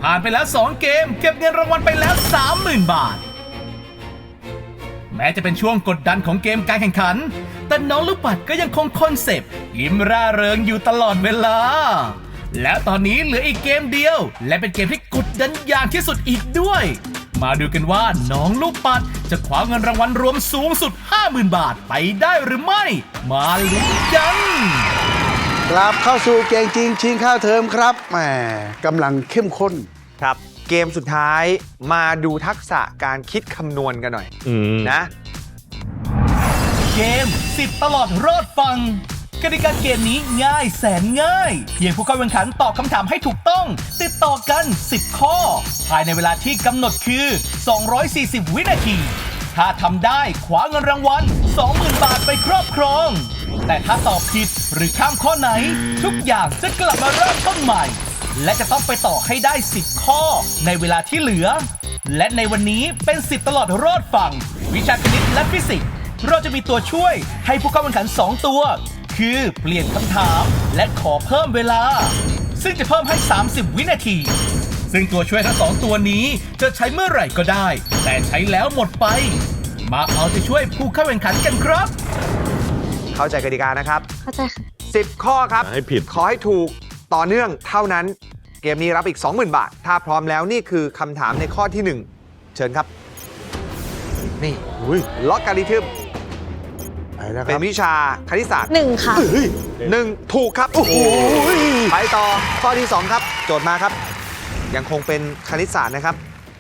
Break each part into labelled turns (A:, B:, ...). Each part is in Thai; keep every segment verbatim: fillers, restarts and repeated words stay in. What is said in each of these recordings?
A: ผ่านไปแล้วสองเกมเก็บเงินรางวัลไปแล้ว สามหมื่น บาทแม้จะเป็นช่วงกดดันของเกมการแข่งขันแต่น้องลูกปัดก็ยังคงคอนเซปต์ยิ้มร่าเริงอยู่ตลอดเวลาและตอนนี้เหลืออีกเกมเดียวและเป็นเกมที่กดดันอย่างที่สุดอีกด้วยมาดูกันว่าน้องลูกปัดจะคว้าเงินรางวัลรวมสูงสุด ห้าหมื่น บาทไปได้หรือไม่มาลุ้นกัน
B: กลับเข้าสู่เกมจริงชิงข้าวเทอมครับแหมกำลังเข้มข้น
C: ครับเกมสุดท้ายมาดูทักษะการคิดคำนวณกันหน่อยนะ
A: เกมสิบตลอดรอดฟังกติกาเกมนี้ง่ายแสนง่ายเพียงผู้เข้าแข่งขันตอบคำถามให้ถูกต้องติดต่อกันสิบข้อภายในเวลาที่กำหนดคือสองร้อยสี่สิบวินาทีถ้าทำได้คว้าเงินรางวัล สองหมื่น บาทไปครอบครองแต่ถ้าตอบผิดหรือข้ามข้อไหนทุกอย่างจะกลับมาเริ่มต้นใหม่และจะต้องไปต่อให้ได้สิบข้อในเวลาที่เหลือและในวันนี้เป็นสิบตลอดรอดฟังวิชาคณิตและฟิสิกส์เราจะมีตัวช่วยให้ผู้เข้าแข่งขันสองตัวคือเปลี่ยนคำถามและขอเพิ่มเวลาซึ่งจะเพิ่มให้สามสิบวินาทีซึ่งตัวช่วยทั้งสองตัวนี้จะใช้เมื่อไหร่ก็ได้แต่ใช้แล้วหมดไปมาเอาใจช่วยผู้เข้าแข่งขันกันครับ
C: เข้าใจกติกานะครับ
D: เข้าใจค่ะ
C: สิบข้อครับ
E: ให้ผิด
C: ขอให้ถูกต่อเนื่องเท่านั้นเกมนี้รับอีก สองหมื่น บาทถ้าพร้อมแล้วนี่คือคำถามในข้อที่หนึ่งเชิญครับนี่ล็อกการิทึมเป็นวิชาคณิตศาสตร์
D: หนึ่งค่ะ
C: หนึ่งถูกครับโอ้โหไปต่อข้อที่สองครับโจทย์มาครับยังคงเป็นคณิตศาสตร์นะครับ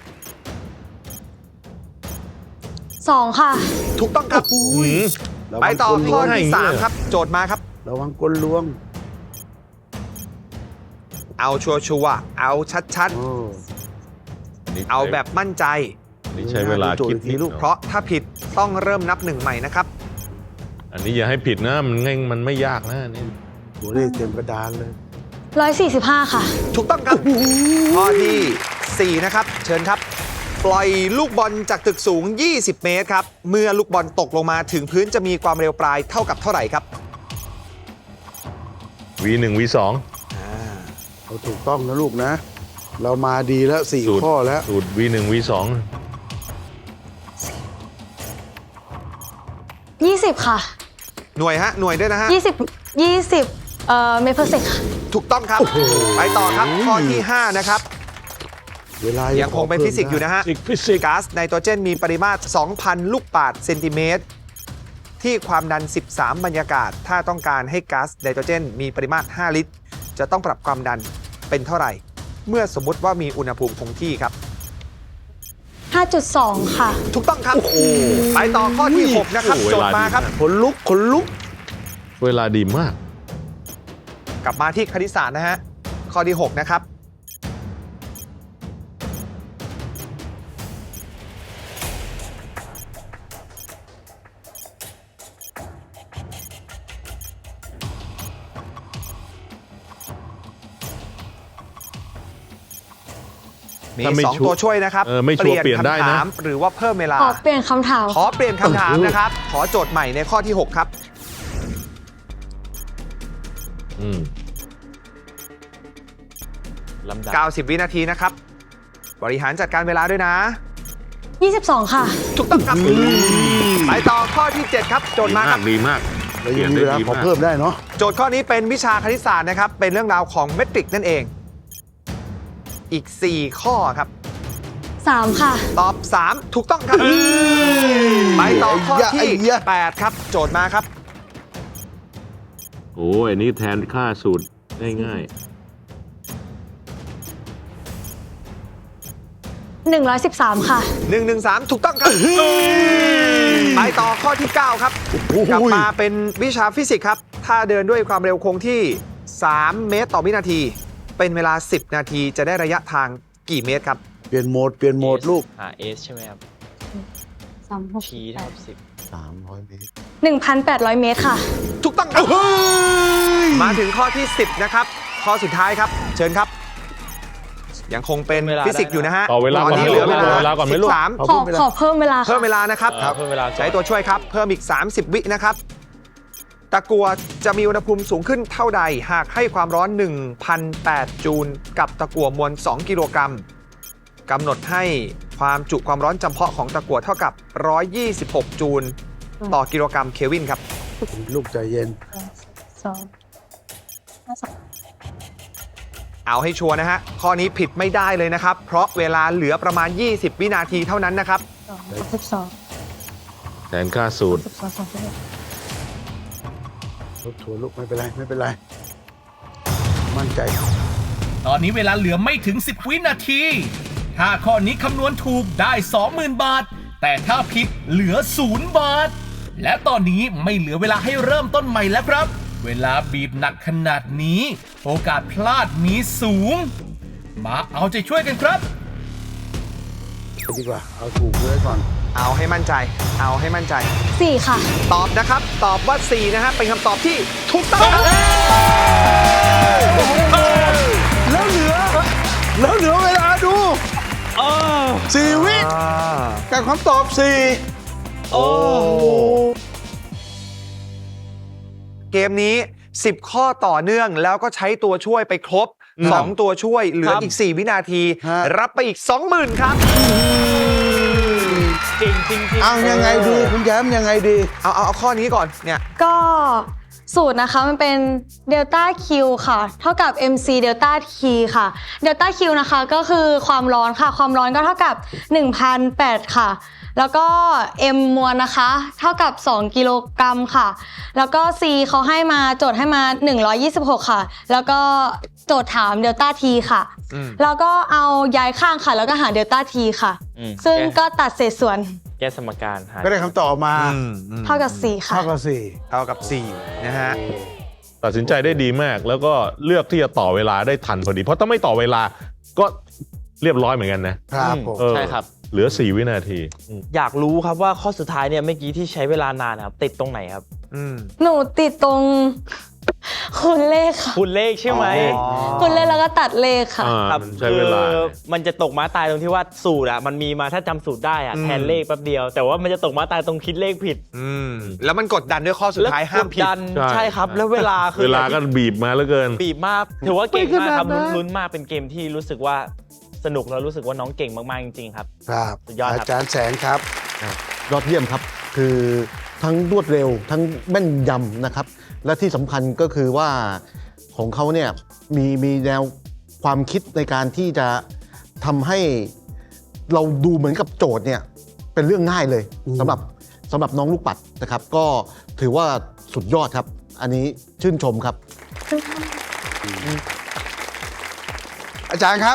D: สองค่ะ
C: ถูกต้องครับไปต่อข้อที่สามครับโจทย์มาครับ
B: ระวังกลลวง
C: เอาชัวร์ๆเอาชัดๆเอาแบบมั่นใจ
E: นี่ใช้เวลาคิดนิด
C: เพราะถ้าผิดต้องเริ่มนับหนึ่งใหม่นะครับ
E: อันนี้อย่าให้ผิดนะมันง่ายมันไม่ยากนะนี่
B: ตัวเลขเต็มกระดานเลย
D: ร้อยสี่สิบห้าค่ะ
C: ถูกต้องครับข้อที่สี่นะครับเชิญครับปล่อยลูกบอลจากตึกสูงยี่สิบเมตรครับเมื่อลูกบอลตกลงมาถึงพื้นจะมีความเร็วปลายเท่ากับเท่าไหร่ครับ
E: วี หนึ่ง วี สอง
B: เราถูกต้องนะลูกนะเรามาดีแล้วสี่ข้อแล้ว
E: สูตร วี หนึ่ง วี สอง
D: ยี่สิบค่ะ
C: หน่วยฮะหน่วยด้วยนะฮะ
D: ยี่สิบยี่สิบเอ่อเมตรเพอร์เซกค่ะ
C: ถูกต้องครับไปต่อครับข้อที่ห้านะครับ
B: เวลา
C: ยังคงเป็นฟิสิกส์อยู่นะฮะก๊าซไนโตรเจนมีปริมาตร สองพัน ลูกบาศก์เซนติเมตรที่ความดันสิบสามบรรยากาศถ้าต้องการให้ก๊าซไนโตรเจนมีปริมาตรห้าลิตรจะต้องปรับความดันเป็นเท่าไหร่เมื่อสมมุติว่ามีอุณหภูมิคงที่ครับ
D: ห้าจุดสอง ค่ะ
C: ถูกต้องครับไปต่อข้อที่หกนะครับโจทย์มาครับ
B: ขนลุกขนลุก
E: เวลาดีมาก
C: กลับมาที่คณิตศาสตร์นะฮะข้อที่หกนะครับมีสองตัวช่วยนะครับ
E: เปลี่ยนคำถาม
C: หรือว่าเพิ่มเวลา
D: ขอเปลี่ยนคำถาม
C: ขอเปลี่ยนคำถามนะครับขอโจทย์ใหม่ในข้อที่หกครับเก้าสิบวินาทีนะครับบริหารจัดการเวลาด้วยนะ
D: ยี่สิบสองค่ะ
C: ถูกต้องครับไปต่อข้อที่เจ็ดครับโจทย์มาครับ
E: ดีมาก
B: เรายังมีเวลาขอเพิ่มได้เนาะ
C: โจทย์ข้อนี้เป็นวิชาคณิตศาสตร์นะครับเป็นเรื่องราวของเมตริกนั่นเองอีกสี่ข้อครับ
D: สามค่ะ
C: ตอบสามถูกต้องครับไปต่อข้อที่แปดครับโจทย์มาครับ
E: โอ้ยนี่แทนค่าสูตรง่าย
D: ๆหนึ่งร้อยสิบสามค่ะ
C: หนึ่ง หนึ่ง สามถูกต้องครับไปต่อข้อที่เก้าครับกลับมาเป็นวิชาฟิสิกส์ครับถ้าเดินด้วยความเร็วคงที่สามเมตรต่อวินาทีเป็นเวลาสิบนาทีจะได้ระยะทางกี่เมตรครับ
B: เปลี่ยนโหมดเปลี่ยนโหมดลูก
F: หา S ใช่ไหมครับ
D: สามหก
F: P เท่ากับสิบ
B: สามร้อยเมตร
D: หนึ่งพันแปดร้อยเมตรค่ะ
C: ถูกต้องครับมาถึงข้อที่สิบนะครับข้อสุดท้ายครับเชิญครับยังคงเป็นฟิสิกส์อยู่นะฮะ
E: ต่อเวลาก่อน
C: นี้เหลือเวลา
E: ก่อนไม่ลูก
D: ขอขอเพิ่มเวลา
C: เพิ่มเวลานะครับ
F: เพิ่มเวลา
C: ใช้ตัวช่วยครับเพิ่มอีกสามสิบวินะครับตะกั่วจะมีอุณหภูมิสูงขึ้นเท่าใด หากให้ความร้อน หนึ่งพันแปด จูลกับตะกั่วมวล สอง กิโลกรัมกำหนดให้ความจุความร้อนจำเพาะของตะกั่วเท่ากับ หนึ่งร้อยยี่สิบหก จูลต่อกิโลกรัมเคลวินครับ
B: ลูกใจเย็น
D: สองห้าสอง
C: เอาให้ชัวร์นะฮะ ข้อนี้ผิดไม่ได้เลยนะครับ เพราะเวลาเหลือประมาณ ยี่สิบ วินาทีเท่านั้นนะครับ
D: สองสิบสอง
E: แทนค่าสูตร
D: สิบสองสองสิบเอ็ด
B: ลูกถั่วลูกไม่เป็นไรไม่เป็นไร มั่นใจ
A: ตอนนี้เวลาเหลือไม่ถึง สิบ วินาที ถ้าข้อนี้คำนวณถูกได้ สองหมื่น บาท แต่ถ้าผิดเหลือ ศูนย์ บาท และตอนนี้ไม่เหลือเวลาให้เริ่มต้นใหม่แล้วครับ เวลาบีบหนักขนาดนี้ โอกาสพลาดมีสูง มาเอาใจช่วยกันครับ
B: ดีกว่า เอาถูกไว้ก่อน
C: เอาให้มั่นใจ เอาให้มั่นใจ
D: สี่ค่ะ
C: ตอบนะครับ ตอบว่า สี่ นะฮะ เป็นคำตอบที่ถูกต้องครับ
B: แล้วเหลือ แล้วเหลือเวลาดูสี่วิกับคำตอบสี่
C: โอ้เกมนี้ สิบ ข้อต่อเนื่องแล้วก็ใช้ตัวช่วยไปครบ สอง ตัวช่วยเหลืออีก สี่ วินาที รับไปอีก สองหมื่น ครับ
F: จริงจริงจริง
B: เอายังไงดีคุณแย้มยังไงดี
C: เอาเอาเอาข้อนี้ก่อนเนี่ย
D: ก็สูตรนะคะมันเป็นเดลต้า Q ค่ะ เท่ากับ เอ็ม ซี เดลต้า T ค่ะเดลต้า Q นะคะก็คือความร้อนค่ะ ความร้อนก็เท่ากับ หนึ่งพันแปด ค่ะ แล้วก็ M มวลนะคะ เท่ากับ สอง กิโลกรัมค่ะ แล้วก็ C เขาให้มาโจทย์ให้มา หนึ่งร้อยยี่สิบหก ค่ะ แล้วก็โจทย์ถามเดลต้า T ค่ะ
C: อืม
D: แล้วก็เอาย้ายข้างค่ะ แล้วก็หาเดลต้า T ค่ะ
F: อืม
D: ซึ่ง
F: แก้
D: ก็ตัดเศษส่วน
F: แก้สมการหา
B: ก็ได้คำตอบมา
C: อืมอืม
D: เท่ากับ สี่ ค่ะ
B: เท่ากับสี่
C: เท่ากับ สี่ นะฮะ
E: ตัดสินใจได้ดีมาก แล้วก็เลือกที่จะต่อเวลาได้ทันพอดี เพราะถ้าไม่ต่อเวลาก็เรียบร้อยเหมือนกันนะครับ
B: ผม
E: เออ
F: ใช่ครับ
E: เหลือ สี่ วินาที
F: อยากรู้ครับว่าข้อสุดท้ายเนี่ยเมื่อกี้ที่ใช้เวลานานครับ ติดตรงไหนครับ
C: อืม
D: หนูติดตรง คูณเลขค่ะ
F: คุณเลขใช่ไหม
C: อ๋อ
D: คูณเลขแล้วก็ตัดเลขค่ะ
E: อ่า
F: ครับ
E: มันใช้เวลา
F: คือมันจะตกม้าตายตรงที่ว่าสูตรอะมันมีมาถ้าจำสูตรได้อะ
C: อืม
F: แทนเลขแป๊บเดียว แต่ว่ามันจะตกม้าตายตรงคิดเลขผิด
C: อืม แล้วมันกดดันด้วยข้อสุดท้ายห้ามผิด
F: แล้วกดัน
E: ใช่
F: ใช่ครับ แล้วเวลาคือ
E: เวลาก็บีบมาเหลือเกิน
F: บีบมากถือว่าเก่งมากครับ
B: ไม่ขนาดนั้น
F: ลุ้นมากเป็นเกมที่รู้สึกว่าสนุกแล้วรู้สึกว่าน้องเก่งมากๆจริงๆครับ
B: ครับ
F: สุดยอดครับ
B: อาจารย์แสงครับ
G: ยอดเยี่ยมครับ คือทั้งรวดเร็วทั้งแม่นยำนะครับ และที่สำคัญก็คือว่าของเขาเนี่ยมีมีแนวความคิดในการที่จะทำให้เราดูเหมือนกับโจทย์เนี่ยเป็นเรื่องง่ายเลย
B: อืม
G: สำหรับสำหรับน้องลูกปัดนะครับ ก็ถือว่าสุดยอดครับ อันนี้ชื่นชมครับ
B: อาจารย์ครับ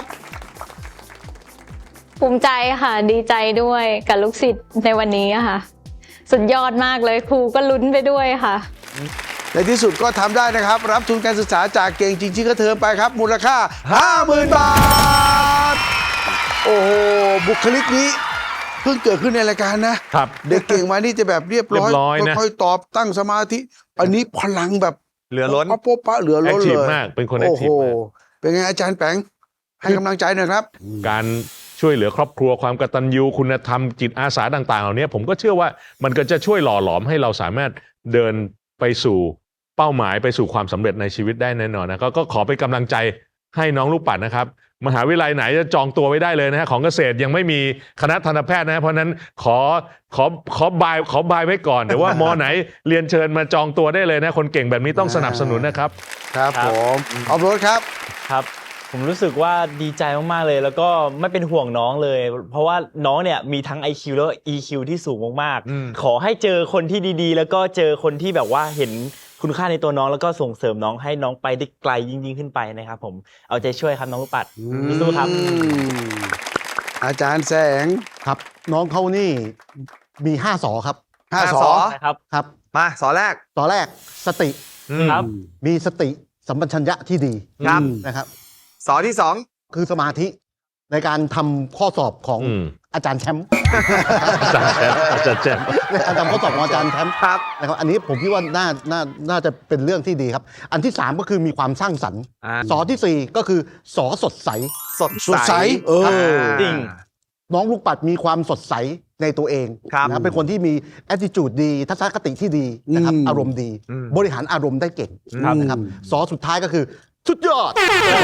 H: ภูมิใจค่ะ ดีใจด้วยกับลูกศิษย์ในวันนี้อะค่ะ สุดยอดมากเลยครูก็ลุ้นไปด้วยค่ะ
B: ในที่สุดก็ทำได้นะครับ รับทุนการศึกษาจากเก่งจริงๆก็เทอมไปครับ มูลค่า ห้าหมื่น บาท โอ้โห บุคลิกนี้ เพิ่งเกิดขึ้นในรายการนะ
E: ครับ
B: เด็กเก่งมานี่จะแบบเรียบร้อย
E: เรียบร้อยนะ
B: ค่อยๆตอบตั้งสมาธิ อันนี้พลังแบบ
C: เหลือล้น
B: ป๊ะโป๊ะปะเหลือ
E: แอ
B: ล้
E: คน ที
B: เล
E: ฟ
B: ย
E: มาก เป็นคนแอค
B: โอ้
E: ที
B: โห
E: ฟมาก
B: เป็นไงอาจารย์แปงให้กำลังใจหน่อยครับ
E: การช่วยเหลือครอบครัวความกตัญญูคุณธรรมจิตอาสาต่างๆเหล่านี้ผมก็เชื่อว่ามันก็จะช่วยหล่อหลอมให้เราสามารถเดินไปสู่เป้าหมายไปสู่ความสำเร็จในชีวิตได้แน่นอนนะก็ก็ขอเป็นกำลังใจให้น้องลูกปัดนะครับมหาวิทยาลัยไหนจะจองตัวไว้ได้เลยนะฮะของเกษตรยังไม่มีคณะทันตแพทย์นะเพราะฉะนั้นขอขอขอบายขอบายไว้ก่อนเดี๋ยวว่ามอไหนเรียนเชิญมาจองตัวได้เลยนะคนเก่งแบบนี้ต้องสนับสนุนนะครับ
B: ครับ
F: ครับ
B: ผมออฟโรดครับ
F: ครับ ผมรู้สึกว่าดีใจมากๆเลย แล้วก็ไม่เป็นห่วงน้องเลย เพราะว่าน้องเนี่ยมีทั้ง ไอ คิว แล้วก็ อี คิว ที่สูงมาก
C: อืม
F: ๆขอให้เจอคนที่ดีๆ แล้วก็เจอคนที่แบบว่าเห็นคุณค่าในตัวน้องแล้วก็ส่งเสริมน้องให้น้องไปได้ไกลยิ่งๆขึ้นไปนะครับผมเอาใจช่วยครับน้องลูกปัดสู้ๆครับ
B: อืมอาจารย์แสง
G: ครับ น้องเขานี่มีห้าสอครับ
B: ห้า
C: ห้า
B: ส
C: ส
B: อ
C: อ
F: นะครับ
G: ครับ
C: มาสอแรก
G: ต่อแรกสติ
C: อืม
F: ครับ
G: มีสติสัมปชัญญะที่ดี
C: ครับ
G: นะครับ
C: สอที่สอง
G: คือสมาธิในการทำข้อสอบของ
E: อืม
G: อาจารย์แชมป์
E: อาจารย์แชมป์อาจารย์แชมป์
G: ในการทำข้อสอบของอาจารย์แชมป์
C: ครับ
G: นะครับอันนี้ผมคิดว่าน่าน่าน่าจะเป็นเรื่องที่ดีครับ อันที่สามก็คือมีความสร้างสรรค์
C: อ่า
G: สอที่สี่ก็คือสอสดใส
C: สด
B: สดใสเออ
F: จริง
G: น้องลูกปัดมีความสดใสในตัวเอง
C: ครับ
G: นะครับเป็นคนที่มี attitude ดีทัศนคติที่ดีนะครับ
B: อืม
G: อารมณ์ดี
C: อืม
G: บริหารอารมณ์ได้เก่ง
B: ครับ
G: นะครับสอสุดท้ายก็คือสุดยอด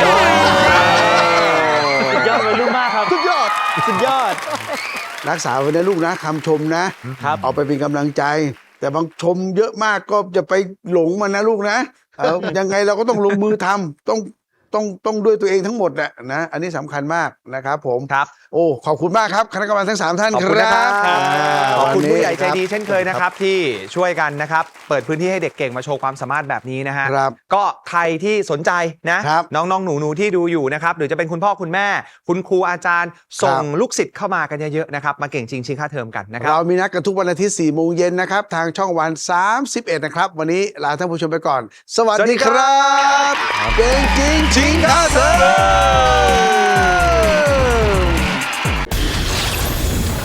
F: สุดยอดวัยรุ่นมากครับ
G: สุดยอด
F: สุดยอด
B: รักษาไว้นะลูกนะคำชมนะครับ เอาไปเป็นกำลังใจ แต่บางชมเยอะมากก็จะไปหลงมันนะลูกนะเออ ยังไงเราก็ต้องลงมือทำต้องต้องต้องด้วยตัวเองทั้งหมดแหละนะอันนี้สำคัญมากนะครับผม
C: ครับ
B: โอ้ขอบคุณมากครับคณะกรรมการทั้งสามท่าน
C: ขอบ
B: ค
C: คุณ
B: รั
C: นะครับ
B: บ
C: ขอบคุณ
B: วันนี้
C: ผู้ใหญ่ใจดี
B: ครับ
C: เช่นเคยนะครับ ที่ช่วยกันนะครับ เปิดพื้นที่ให้เด็กเก่งมาโชว์ความสามารถแบบนี้นะฮะ
B: ครับ
C: ก็ใครที่สนใจนะครับ น้องๆ หนูๆ ที่ดูอยู่นะครับ หรือจะเป็นคุณพ่อคุณแม่ คุณครูอาจารย์ ส่งลูกศิษย์เข้ามากันเยอะๆนะครับ มาเก่งจริงชิงค่าเทอมกันนะครับ
B: เรามีนัดกันทุกวันอาทิตย์สี่โมงเย็นนะครับ ทางช่องวันสามสิบเอ็ดนะครับ วันนี้ลาท่านผู้ชมไปก่อน สวัส
C: สวัสดี
B: ดี
C: ค
B: ค
C: รั
B: รับ เก่งจริงจริงค่าเทอม